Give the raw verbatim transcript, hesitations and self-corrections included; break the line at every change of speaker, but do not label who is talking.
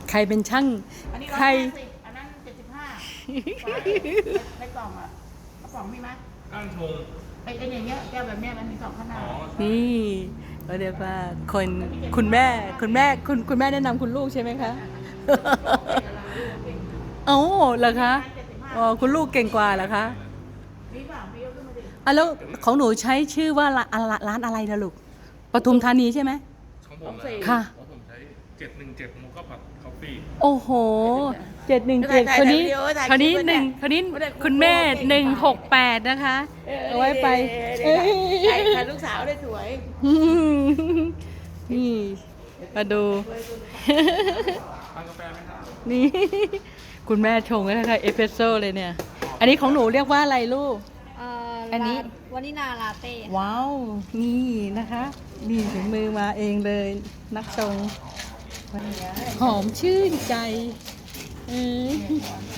ใครเป็นช่าง
อันนี้ร้อ
ใคร
ยห้าสิบอันนั้นเจ็ดสิบห้าในกล่องอ่ะกระป๋องมีไหม
ก้านชง
ไอ้ไอ้อย่างเงี้ยแก้วแบบเนี้ยมันมีสองขนา
อ๋อ
ด
ใช่
นี่ก็เรียกว่าคนคุณแม่คุณแม่คุณคุณแม่แนะนำคุณลูกใช่ไหมคะโอ้เหรอคะอ๋อคุณลูกเก่งกว่าเหรอคะ
นี่เปล่าพี่ยกขึ้นมาดิ
อ่ะแล้วของหนูใช้ชื่อว่าร้านร้านอะไรนะลูกปทุมธานีใช่ไหม
ของผมนะ
ค่ะ
ของผมใช้เจ็ดหนึ่งเจ็ดโมกาผัดคอฟฟี่
โอ้โหเจ็ดหนึ่งเจ็ดคนนี้คนนี้หนึ่งคนนี้คุณแม่หนึ่งหกแปดนะคะ เอาไว้ไปเอ้ย
ใช่ค่ะลูกสาวได้สวย
อืมนี่มาดู
ทานกาแฟไหมครับ
นี่ คุณแม่ชงให้ค่ะเอสเปรสโซ่เลยเนี่ย อันนี้ของหนูเรียกว่าอะไรลูก
เอ่อ
อันนี้
วานิลาลาเต้ค่ะ
ว้าว นี่นะคะ นี่ถึงมือมาเองเลย นักชงหอมชื่นใจเออ